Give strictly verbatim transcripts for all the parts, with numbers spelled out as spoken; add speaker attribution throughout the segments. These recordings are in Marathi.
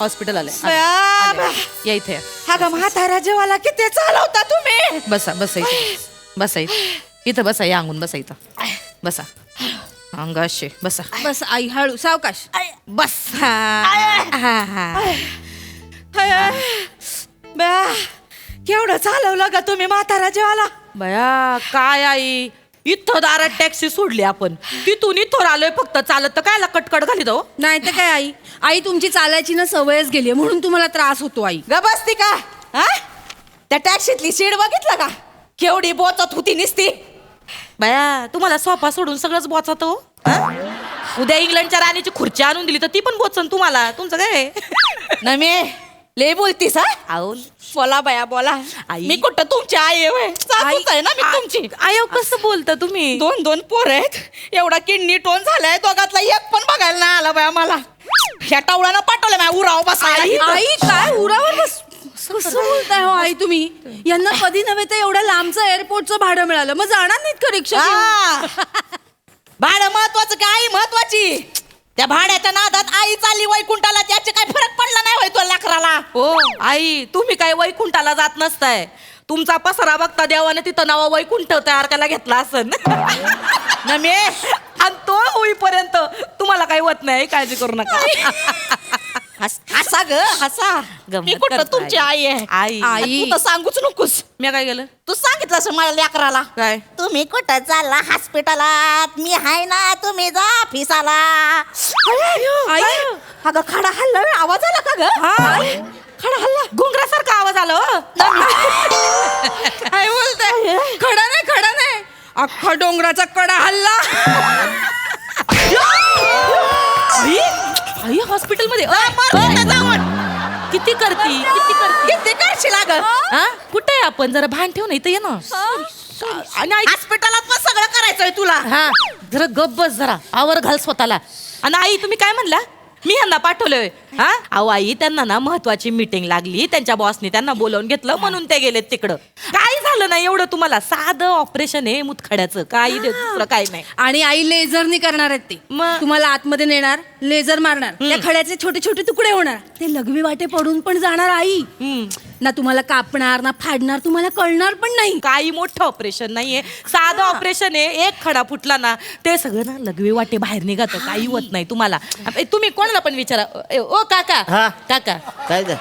Speaker 1: हॉस्पिटल आले
Speaker 2: बया,
Speaker 1: या इथे
Speaker 2: हा ग म्हातारा जेवाला किती चालवता तुम्ही.
Speaker 1: बसा बसा इथे बसा इथे इथं बसा या अंगून बसा इथं बसा अंगाशे बसा
Speaker 3: बस आई हळू सावकाश
Speaker 1: बस
Speaker 2: बया केवढं चालवलं का तुम्ही म्हातारा जेवाला.
Speaker 1: बया काय आई इथं दारात टॅक्सी सोडली आपण तिथून इथं आलोय फक्त चालत तर कायला कटकट घाली दो.
Speaker 3: नाही तर काय आई आई तुमची चालायची ना सवयच गेली म्हणून तुम्हाला त्रास होतो आई.
Speaker 2: ग बसती का हा त्या टॅक्सीतली सीट बघितलं का केवढी बोचत होती निसती.
Speaker 1: बया तुम्हाला सोफा सोडून सगळंच बोचत हो उद्या इंग्लंडच्या राणीची खुर्ची आणून दिली तर ती पण बोचन तुम्हाला तुमचं काय
Speaker 2: ना मी लय बोलतीस हा.
Speaker 1: आहो
Speaker 2: बोला बया बोला
Speaker 1: आई.
Speaker 2: मी कुठं तुमची आई आहे व्हय? सासूच आहे ना मी तुमची.
Speaker 1: आयो कसं बोलता तुम्ही
Speaker 2: दोन दोन पोर आहेत एवढा किडनी टोन झालाय दोघातला एक पण बघायला नाही आला बया मला. ह्या टावळानं पाठवलं माझ्या उराव बसायला.
Speaker 3: आई काय उरावर बस कसं बोलताय हो आई तुम्ही. यांना कधी नव्हे तर एवढ्या लांबचं एअरपोर्टचं भाडं मिळालं मग जाणार नाहीत का रिक्षा घेऊन?
Speaker 2: हा. भाडं महत्वाचं का आई महत्वाची. त्या भाड्याच्या नादात आई चालली वैकुंठाला त्याचे काय फरक पडला नाही होय तो लेकराला.
Speaker 1: हो आई तुम्ही काय वैकुंठाला जात नसताय तुमचा पसारा बघता देवाने तिथं नाव वैकुंठ तयार करायला घेतला असन
Speaker 2: ना मी
Speaker 1: आणि तो होईपर्यंत तुम्हाला काही होत नाही काळजी करू नका
Speaker 2: हस- हसा ग हसा.
Speaker 1: गंमत
Speaker 2: मी कुठं
Speaker 1: करतो
Speaker 2: तुमची आई आहे.
Speaker 1: आई
Speaker 3: आई.
Speaker 2: तू तर सांगूच नकोस.
Speaker 1: मी काय केलं
Speaker 2: तू सांगितलं असं माझ्या लेकराला
Speaker 1: काय
Speaker 2: तुम्ही कुठं चालला हॉस्पिटलात मी हाय ना तुम्ही जा ऑफिसाला.
Speaker 3: आई.
Speaker 2: अगं खडा हल्ला व्हय, आवाज आला का ग.
Speaker 1: हा.
Speaker 2: खडा हल्ला
Speaker 1: घुंगरासारखा आवाज आला हो.
Speaker 3: काय बोलताय खडा नाही खडा नाही अख्खा डोंगराचा कडा हल्ला.
Speaker 1: आई आई हॉस्पिटल मध्ये अ, अ, जाऊन. किती करती किती करती
Speaker 2: किती करशील अगं.
Speaker 1: हा कुठे आहे आपण जरा भान ठेव ना इथं ये ना आणि आई
Speaker 2: हॉस्पिटलात पण सगळं करायचंय तुला.
Speaker 1: हा जरा गप बस जरा आवर घाल स्वतःला. आणि आई तुम्ही काय म्हणला मी ह्यांना पाठवलंय हा अहो आई त्यांना ना महत्वाची मीटिंग लागली त्यांच्या बॉसनी त्यांना बोलावून घेतलं म्हणून ते गेलेत तिकडं. काय झालं नाही एवढं तुम्हाला साधं ऑपरेशन आहे मुतखड्याचं काही दे- दुसरं काही नाही.
Speaker 3: आणि आई लेझरनी करणार आहेत ते
Speaker 1: मग?
Speaker 3: तुम्हाला आतमध्ये नेणार लेझर मारणार त्या खड्याचे छोटे छोटे तुकडे होणार ते लघवी वाटे पडून पण जाणार आई.
Speaker 1: हम्म.
Speaker 3: ना तुम्हाला कापणार ना फाडणार तुम्हाला कळणार पण नाही.
Speaker 1: काही मोठं ऑपरेशन नाहीये साधं ऑपरेशन आहे एक खडा फुटला ना ते सगळं ना लघवी वाटे बाहेर निघत काही होत नाही तुम्हाला. ए, तुम्ही कोणाला पण विचारा ए, ओ काका
Speaker 4: हा.
Speaker 1: काका
Speaker 4: काय ग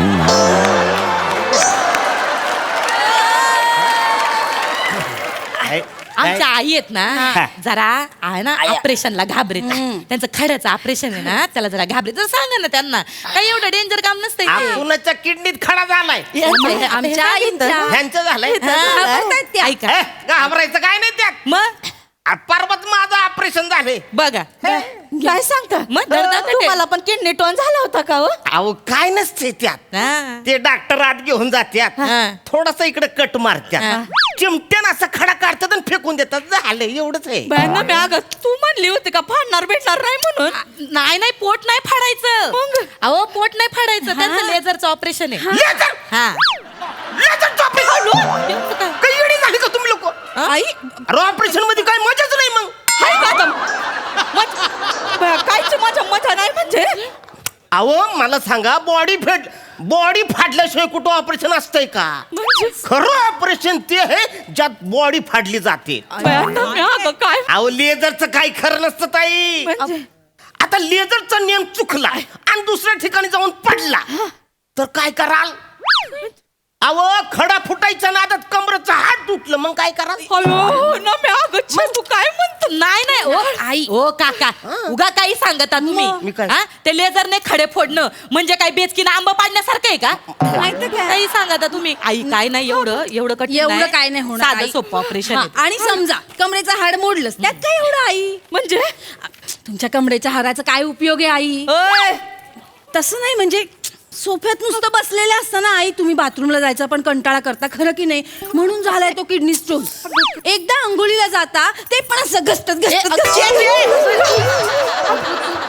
Speaker 1: आमच्या आई आहेत ना
Speaker 4: हा.
Speaker 1: जरा आहे ना ऑपरेशनला घाबरेत त्यांचं खड्याचं ऑपरेशन आहे ना त्याला जरा घाबरेत जरा सांगा ना त्यांना काही एवढं डेंजर काम नसतंय ते.
Speaker 4: कुणाच्या किडनीत खडा झालाय
Speaker 1: म्हणजे
Speaker 3: आमच्या आईच्या.
Speaker 4: ह्यांचं झालंय
Speaker 3: घाबरतायत त्या.
Speaker 1: ऐका
Speaker 4: ए, घाबरायचं काय नाही त्यात
Speaker 1: मग
Speaker 4: आ, परवाच माझं ऑपरेशन झाले
Speaker 1: बघा
Speaker 2: काय सांगता
Speaker 1: मग धडधड
Speaker 2: तुम्हाला पण किडनी टोन झाला होता का हो.
Speaker 4: अहो काय नसते त्यात
Speaker 1: हा.
Speaker 4: ते डॉक्टर आत घेऊन जात्यात
Speaker 1: हा.
Speaker 4: थोडासा इकडे कट
Speaker 1: हा.
Speaker 4: मारत्यात चिमट्यानं असं खडा काढतात आणि फेकून देतात झालं एवढंच आहे.
Speaker 2: बायांना मी अगं तू म्हणली होती का फाडणार भेटणार नाही म्हणून.
Speaker 1: नाही नाही पोट नाही फाडायचं अहो पोट नाही फाडायचं त्यांचं लेझरचं ऑपरेशन आहे
Speaker 4: लेझर
Speaker 1: हा
Speaker 4: लेझरचं ऑपरेशन काही येडी झाली का तुम्ही लोक
Speaker 2: आई
Speaker 4: अरे ऑपरेशन मध्ये काय मजाच नाही मग
Speaker 2: हाय का आता? मज- बया, कायची माझ्या मजा नाही म्हणजे.
Speaker 4: अहो मला सांगा बॉडी फेड बॉडी फाडल्याशिवाय कुठं ऑपरेशन असतंय का
Speaker 2: म्हणजे
Speaker 4: खरं ऑपरेशन ते आहे ज्यात बॉडी फाडली जाते
Speaker 2: बायांना मी अगं काय
Speaker 4: अहो लेझरचं काही खरं नसतं ताई
Speaker 2: म्हणजे
Speaker 4: आता लेझरचा नियम चुकला आणि दुसऱ्या ठिकाणी जाऊन पडला तर काय कराल अहो खडा फुटायचा ना आता कमरेचा हात तुटलं मग काय कराल
Speaker 2: हॅलो ना मी अगं छे, तू काय म्हणतो.
Speaker 1: नाही नाही ओ आई ओ काका उगा काही सांगता
Speaker 4: मी
Speaker 1: तुम्ही
Speaker 4: काय?
Speaker 1: हा? ते लेझरने खडे फोडणं म्हणजे काय बेचकीनं आंबा पाडण्यासारखं आहे का काही सांगता तुम्ही आई काय नाही एवढं एवढं कठीण
Speaker 3: एवढं काय नाही होणार
Speaker 1: साधं
Speaker 3: आई.
Speaker 1: सोपं ऑपरेशन
Speaker 3: हा, आणि समजा कमरेचं हाड मोडलंच त्यात काय एवढं आई.
Speaker 2: म्हणजे
Speaker 3: तुमच्या कमरेच्या हाडाचा काय उपयोग आहे आई.
Speaker 2: ओय,
Speaker 3: तसं नाही म्हणजे सोफ्यात नुसतं बसलेले असताना आई तुम्ही बाथरूमला जायचा पण कंटाळा करता खरं की नाही म्हणून झालाय तो किडनी स्टोन. एकदा अंघोळीला जाता ते पण असं घसटत घसटत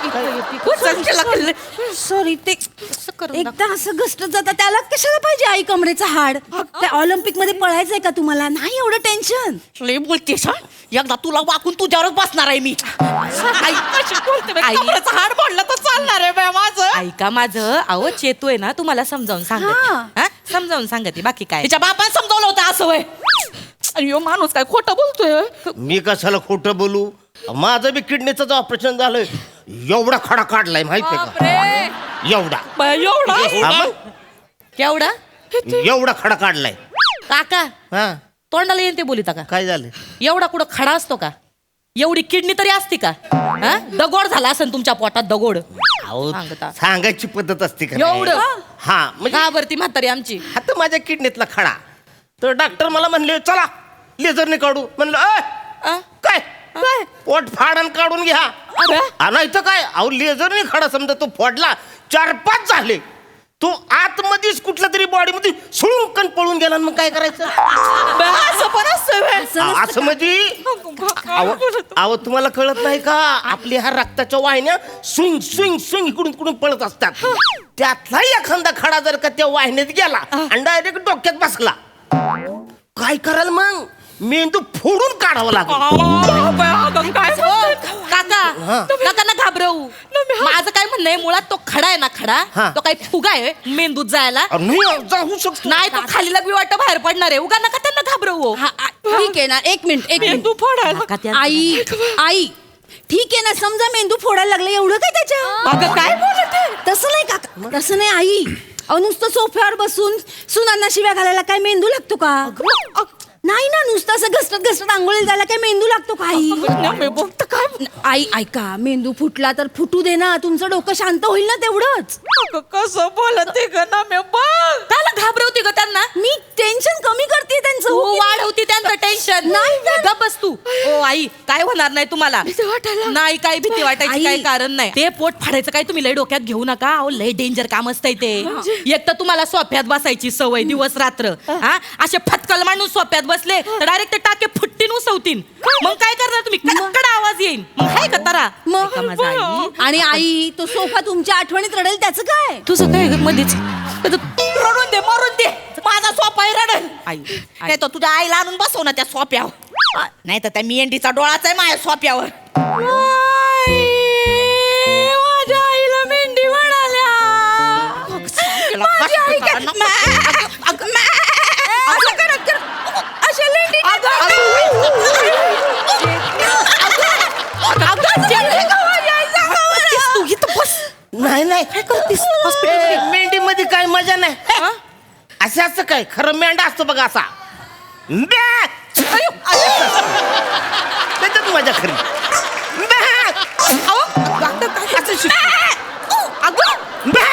Speaker 3: सॉरी ते
Speaker 1: करून
Speaker 3: एकदा असं घसटत जाता त्याला कशाला पाहिजे आई कमरेचं हाड त्या ऑलिम्पिक मध्ये पळायचंय का तुम्हाला नाही एवढं टेन्शन
Speaker 2: लय बोलतेस हं? एकदा तुला वाकून तुझ्यावरच बसणार आहे मी आई कशी बोलते बाई,
Speaker 1: आई.
Speaker 2: कमरेचं हाड पडलं तर चालणार आहे बाई माझं
Speaker 1: ऐका माझं अहो चेतू आहे ना तुम्हाला समजावून सांगते
Speaker 3: हा.
Speaker 1: हा? समजावून सांगते बाकी काय
Speaker 2: तिच्या बापाने समजावलं होतं असं वय अयो माणूस काय खोटं बोलतोय
Speaker 4: मी कशाला खोटं बोलू माझं बी किडनीचं ऑपरेशन झालंय एवढा खडा काढलाय माहितीये का एवढा
Speaker 2: बाई, एवढा
Speaker 4: हा मग?
Speaker 1: केवढा
Speaker 4: एवढा खडा काढलाय
Speaker 1: काका
Speaker 4: हा
Speaker 1: तोंडाला येते बोलिता का
Speaker 4: काय झालं
Speaker 1: एवढा कुठं खडा असतो का एवढी किडनी तरी असती का हा? दगोड झाला असेल तुमच्या पोटात दगोड
Speaker 4: अहो
Speaker 1: सांगता.
Speaker 4: सांगायची पद्धत असते का नाही?
Speaker 1: एवढं
Speaker 4: हा म्हणजे
Speaker 1: का बरं ती म्हातारी आमची
Speaker 4: आता माझ्या किडनीतला खडा तर डॉक्टर मला म्हणले चला लेझरने काढू म्हणलं "अय,
Speaker 1: आ?
Speaker 4: काय काय पोट फाडण काढून घ्या आ, नाही तर काय अहो लेझरने खडा समजा तो फोडला चार पाच झाले तो आतमध्येच कुठल्या तरी बॉडीमध्ये सुळून पळून गेला आणि मग काय करायचं
Speaker 2: बाई, असं पण असतं व्हय.
Speaker 4: आ, असं म्हणजे अहो अहो, तुम्हाला कळत नाही का आपल्या ह्या रक्ताच्या वाहिन्या स्विंग स्विंग स्विंग इकडून तिकडून पळत असतात त्यातला एखादा खडा जर का त्या वाहिन्यात गेला आणि डायरेक्ट डोक्यात बसला काय कराल मग मेंदू फोडून काढावा लागेल
Speaker 2: आ, बाई, अगं, काय
Speaker 1: हो,
Speaker 2: बोलते?
Speaker 1: काका काका ना घाबरवू माझं काय म्हणणं आहे मुळात तो खडा आहे ना खडा
Speaker 4: हा.
Speaker 1: तो काही फुगा आहे मेंदूत जायला
Speaker 4: अरे, नाही जाऊ शकतो
Speaker 1: नाही तो खालीला बी वाटत बाहेर पडणार आहे उगा नका त्यांना घाबरवू
Speaker 3: हा, आ- ठीक आहे ना एक मिनिट एक
Speaker 2: मेंदू
Speaker 3: मिनिट
Speaker 2: फोडायला
Speaker 1: काका त्या-
Speaker 3: आई आई ठीक आहे ना समजा मेंदू फोडायला लागला एवढं काय त्याच्या
Speaker 2: अगं काय बोलते
Speaker 3: तसं नाही काका तसं नाही आई अहो नुसतं सोफ्यावर बसून सुनांना शिव्या घालायला काय मेंदू लागतो का नाही ना नुसतं असं घसरत घसरत आंघोळीला जायला काय मेंदू लागतो का आई
Speaker 2: मी बोलत काय
Speaker 3: आई ऐका मेंदू फुटला तर फुटू दे ना तुमचं डोकं शांत होईल ना तेवढंच
Speaker 2: अगं, कसं बोलते ग ना मी बघ
Speaker 1: त्याला घाबरवती ग त्यांना
Speaker 3: मी टेन्शन कमी करते त्यांचं
Speaker 1: तू
Speaker 3: हो की
Speaker 1: वाढवती त्यांचं टेन्शन
Speaker 3: नाही तर.
Speaker 1: गप बस तू ओ आई काय होणार नाही तुम्हाला
Speaker 2: भीती वाटायला.
Speaker 1: नाही काय भीती वाटायची
Speaker 3: आई.
Speaker 1: काही कारण नाही ते पोट फाडायचं काय तुम्ही लय डोक्यात घेऊ नका अहो लय डेंजर काम असतंय ते एक तर तुम्हाला सोफ्यात बसायची सवय दिवस रात्र हा असे फटकल मांडून सोफ्यात बसले तर डायरेक्ट ते टाके फुट्टीन उसवतीन मग काय करणार तुम्ही कडकड आवाज येईल मग हाय का तारा
Speaker 3: मग?
Speaker 1: ऐका माझं आई
Speaker 3: आणि आई तो सोफा तुमच्या आठवणीत रडेल त्याचं काय
Speaker 1: तुझं काय ग मध्येच
Speaker 2: रडून दे मरून दे माझा सोपा आहे रडल
Speaker 1: आई
Speaker 2: नाही तर तुझ्या आईला आणून बसव ना त्या सोप्यावर नाही तर त्या मेंढीचा डोळाच आहे माझ्या सोप्यावर माझ्या आईला मेंढी म्हणाल्या माझी आई काय- मा- अगं, मा- असं करत करत अशा लेंडी तू इथं बस
Speaker 4: नाही नाही काय करतीस मेंढी मध्ये काय मजा नाही
Speaker 1: हा?
Speaker 4: असं असं काय खरं मेंढा असतो बघा असा बॅ! त्याच्यात मजा खरी बॅ! असं शिकतो. बॅ!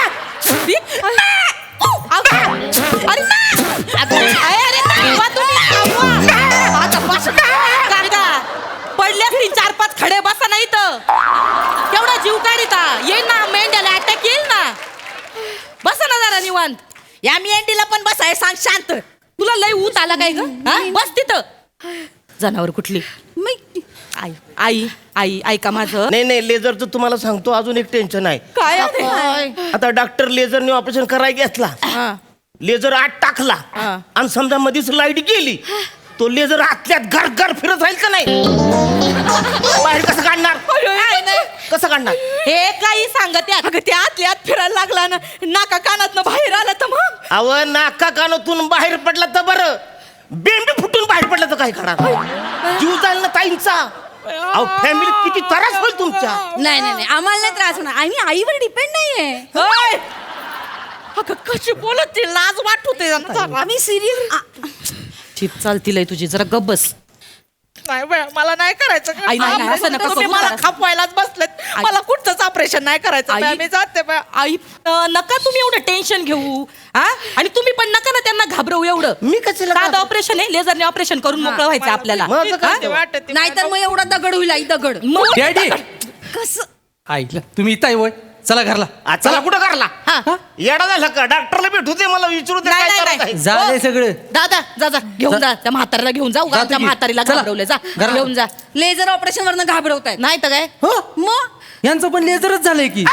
Speaker 1: पडल्यास ती चार पाच खडे बसा नाही तर तेवढा जीव काढिता येईल ना मेंढ्याला अटॅक येईल ना बसा ना जरा निवांत
Speaker 2: या मेंढीला पण बसाय सांग शांत
Speaker 1: तुला लय ऊत आला काय ग हा? बस तिथं जनावर कुठली
Speaker 3: मी-
Speaker 1: आई आई आई ऐका माझं
Speaker 4: नाही नाही लेझरचं तुम्हाला सांगतो अजून एक टेन्शन आहे
Speaker 2: काय आहे?
Speaker 4: आता डॉक्टर लेझरने ऑपरेशन करायला घेतला
Speaker 1: हा.
Speaker 4: लेझर आत टाकला
Speaker 1: हा.
Speaker 4: आणि समजा मध्येच लाईट गेली तो लेझर आतल्यात घर घर फिरत राहील का नाही बाहेर कसं काढणार कसं काढणार
Speaker 1: हे काही सांगत आहे.
Speaker 2: अगं ते आतल्या आत फिरायला लागला ना नाका कानात बाहेर आला तर मग
Speaker 4: अव नाका कानातून बाहेर पडला तर बरं बेंबी फुटून बाहेर पडला तर काय करणार जीव जाईल ना ताईंचा अहो फॅमिली किती त्रास होईल तुमच्या
Speaker 3: नाही नाही नाही आम्हाला नाही त्रास होणार आणि आईवर डिपेंड नाहीये
Speaker 2: ओय! अगं कशी बोलत ती लाज वाटते
Speaker 3: आम्ही सिरियल
Speaker 1: चिप चालती लय तुझी जरा गप बस
Speaker 2: नाही बाई, मला नाही करायचं
Speaker 1: आई, नाही, नाही, असं नका
Speaker 2: तुम्ही
Speaker 1: करू
Speaker 2: मला
Speaker 1: जरा.
Speaker 2: खापवायलाच बसलेत
Speaker 1: आई.
Speaker 2: मला कुठचंच ऑपरेशन नाही करायचं
Speaker 1: आई.
Speaker 2: बाई, मी जाते बाई.
Speaker 1: आई अं, नका तुम्ही एवढं टेन्शन घेऊ हा आणि तुम्ही पण नका ना त्यांना घाबरवू एवढं
Speaker 4: मी कशाला
Speaker 1: साधं
Speaker 4: घाबरू?
Speaker 1: ऑपरेशन आहे लेझरने ऑपरेशन करून मोकळं व्हायचं आपल्याला
Speaker 4: माझं काय
Speaker 2: भीती वाटते ती
Speaker 3: नाहीतर मग एवढा दगड होईल आई दगड
Speaker 1: मग
Speaker 5: डॅडी
Speaker 3: कसं
Speaker 5: आईला तुम्ही इथं आहे वय चला घरला
Speaker 4: आ, चला कुठं करला
Speaker 1: हा.
Speaker 4: येडा झाला का डॉक्टरला भेटू दे मला विचारू दे
Speaker 1: नाही,
Speaker 4: काय
Speaker 1: नाही,
Speaker 4: त्रास
Speaker 1: नाही.
Speaker 4: आहे.
Speaker 5: झालंय
Speaker 1: हो.
Speaker 5: सगळं
Speaker 1: दादा जा जा घेऊन जा त्या म्हाताऱ्याला घेऊन जा उगा
Speaker 5: जातो
Speaker 1: त्या
Speaker 5: की.
Speaker 1: म्हातारीला
Speaker 5: चला.
Speaker 1: घाबरवले जा
Speaker 5: घराला.
Speaker 1: घेऊन जा
Speaker 3: लेझर ऑपरेशन वरनं घाबरवतायत
Speaker 1: नाही तर काय
Speaker 5: हो
Speaker 3: मग
Speaker 5: यांचं पण लेझरच झालंय की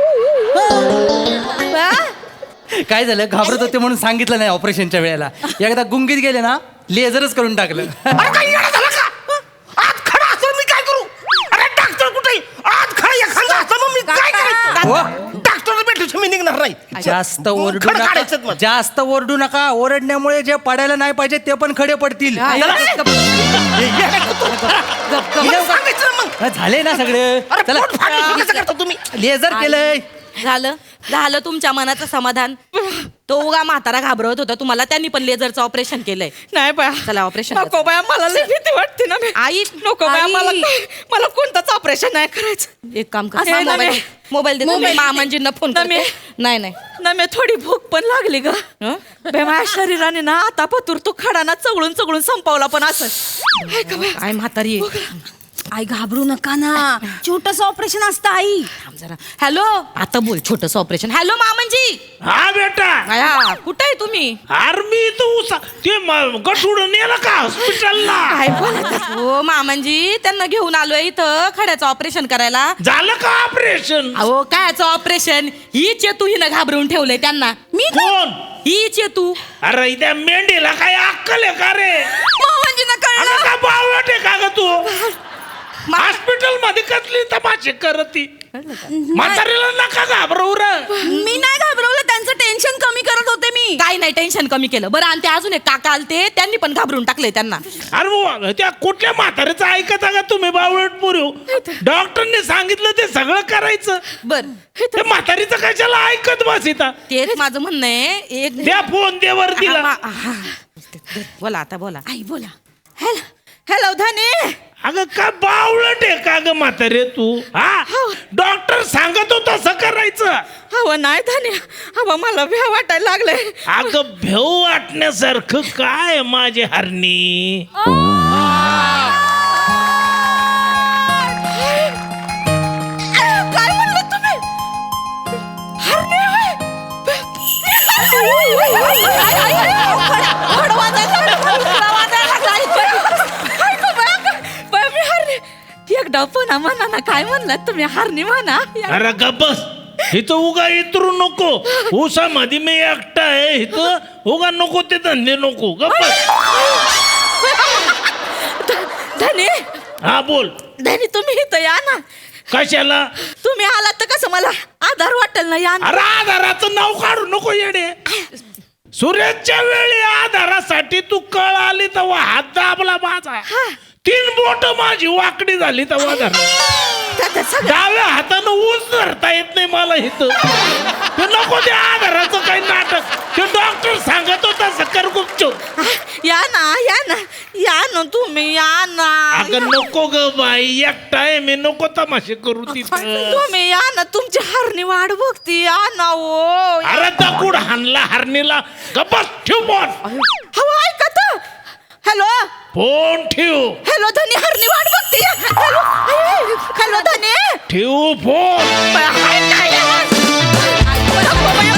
Speaker 5: काय झालं घाबरत होते म्हणून सांगितलं नाही ऑपरेशनच्या वेळेला एकदा गुंगीत गेले ना लेझरच करून टाकलं
Speaker 4: अरे काय येडा झाला का आज खडा असं मी काय करू अरे डॉक्टर कुठे आज खडा एखादा असं मग मी काय करायचं
Speaker 5: हो.
Speaker 4: डॉक्टरला भेटू मी निघणार नाही
Speaker 5: जास्त ओरडू
Speaker 4: खडं काढायचं
Speaker 5: नका
Speaker 4: मग.
Speaker 5: जास्त ओरडू नका ओरडण्यामुळे जे पडायला नाही पाहिजे ते पण खडे पडतील
Speaker 1: हा,
Speaker 4: चला.
Speaker 1: गप, गप,
Speaker 4: हे येडा का तू?
Speaker 1: गप, गप.
Speaker 4: मला सांगायचं ना मग
Speaker 5: हा, झाले ना सगळे
Speaker 4: अरे
Speaker 5: चला
Speaker 4: पोट फाटलं कसं करता तुम्ही
Speaker 5: लेझर केलंय
Speaker 1: झालं झालं तुमच्या मनाचं समाधान तो उगा म्हातारा घाबरवत होता तुम्हाला त्यांनी पण लेझरचं ऑपरेशन केलंय
Speaker 2: नाही बाया
Speaker 1: चला ऑपरेशन
Speaker 2: नको बाया मला लई भीती वाटते ना बे.
Speaker 1: आई
Speaker 2: नको बाया
Speaker 1: आई.
Speaker 2: मला मला कोणताच ऑपरेशन नाही करायचं
Speaker 1: एक काम कर
Speaker 2: असं
Speaker 1: मोबाईल
Speaker 2: नव्हे.
Speaker 1: मोबाईल दे
Speaker 2: मोबाईल.
Speaker 1: मामांजींना फोन
Speaker 2: नव्हे.
Speaker 1: नाही नाही
Speaker 2: ना मी थोडी भूक पण लागली ग
Speaker 1: हं?
Speaker 2: बे माझ्या शरीराने ना आता पतूर तो खडाना चवळून चवळून संपवला पण असं हाय का बाया?
Speaker 1: काय म्हातारी आहे.
Speaker 3: आई घाबरू नका ना छोटस ऑपरेशन असतं आई
Speaker 1: थांब जरा हॅलो आता बोल छोटस ऑपरेशन हॅलो मामांजी
Speaker 6: हा बेटा
Speaker 1: आया कुठे आहे तुम्ही
Speaker 6: आर्मी तो उसा ते म- गठुडं नेलं का हॉस्पिटलला
Speaker 1: काय बोलत हो मामांजी त्यांना घेऊन आलोय इथं खड्याचं ऑपरेशन करायला
Speaker 6: झालं का ऑपरेशन
Speaker 1: अहो कायचं ऑपरेशन ही चेतू हिनं घाबरवून ठेवलंय त्यांना
Speaker 3: मी
Speaker 6: कोण
Speaker 1: ही चेतू
Speaker 6: अरे त्या मेंढीला काय अक्कल आहे का रे
Speaker 3: मामांजींना
Speaker 6: अगं
Speaker 3: कळलं
Speaker 6: का बावळट आहे का ग तू हॉस्पिटल मध्ये कसली तमाशे करती म्हातारीला नका घाबरवू रे
Speaker 3: मी नाही घाबरवलं त्यांचं टेन्शन कमी करत होते मी
Speaker 1: काय नाही टेन्शन कमी केलं बरं आणि ते अजून एक काका आलते त्यांनी पण घाबरून टाकले त्यांना
Speaker 6: अरे बुवा, त्या कुठल्या म्हातारीचं ऐकता का तुम्ही बावळट पुरू डॉक्टरने सांगितलं ते सगळं करायचं
Speaker 1: बर
Speaker 6: ते म्हातारीचं कशाला ऐकत बसिता
Speaker 1: तेच माझं म्हणणं आहे एक
Speaker 6: द्या फोन दे वर तिला
Speaker 1: हा, हा, हा. बोला आता बोला
Speaker 3: आई बोला
Speaker 2: हॅलो हॅलो धने
Speaker 6: अगं का बावळट आहे का ग म्हातारे तू हा डॉक्टर सांगत होता तसं करायचं
Speaker 2: हवं नाही धने हवं मला भ्या वाटायला लागलंय
Speaker 6: अगं भेऊ वाटण्यासारखं काय माझे हरणी
Speaker 2: काय म्हणलं तुम्ही हरणे होय? खड वाजायला लागला, खड वाजायला लागला. हाय गं बाया, बाया, मी हरणे. एकदा पुन्हा म्हणा ना काय म्हणलं तुम्ही हरणी म्हणा
Speaker 6: अरे गप्पस इथं उगा इतरू नको ऊसामध्ये मी एकटा आहे इथं उगा नको ते धंदे नको गप्पस
Speaker 2: धनी
Speaker 6: हा बोल
Speaker 2: धनी तुम्ही इथं या ना
Speaker 6: कशाला
Speaker 2: तुम्ही आलात तर कसं मला आधार वाटेल ना या ना.
Speaker 6: अरे आधाराचं नाव काढू नको येडे सूर्याच्या वेळी आधारासाठी तू कळ आली तेव्हा हात दाबला माझा तीन बोट माझी वाकडी झाली तेव्हा धरला
Speaker 2: त्यात सगळं
Speaker 6: डाव्या हातानं ऊस धरता येत नाही मला इथं ते नको ते आधाराचं काही नाटक ते डॉक्टर सांगत होता सकर गुपचूप
Speaker 2: या ना या ना या ना तुम्ही या ना
Speaker 6: अगं नको ग बाई एकटा आहे मी नको तमाशे करू तिथं
Speaker 2: तुम्ही या ना तुमची हरणी वाढ बघती या ना ओ
Speaker 6: अरे दगड हाणला हरणीला गप्पस ठेव फोन
Speaker 2: हवं ऐका तर हॅलो
Speaker 6: फोन ठेव
Speaker 2: हॅलो धनी हरणी वाढ बघते या. हॅलो हॅलो धनी
Speaker 6: ठेव फोन
Speaker 2: हाय काय आवाज? नको बाया,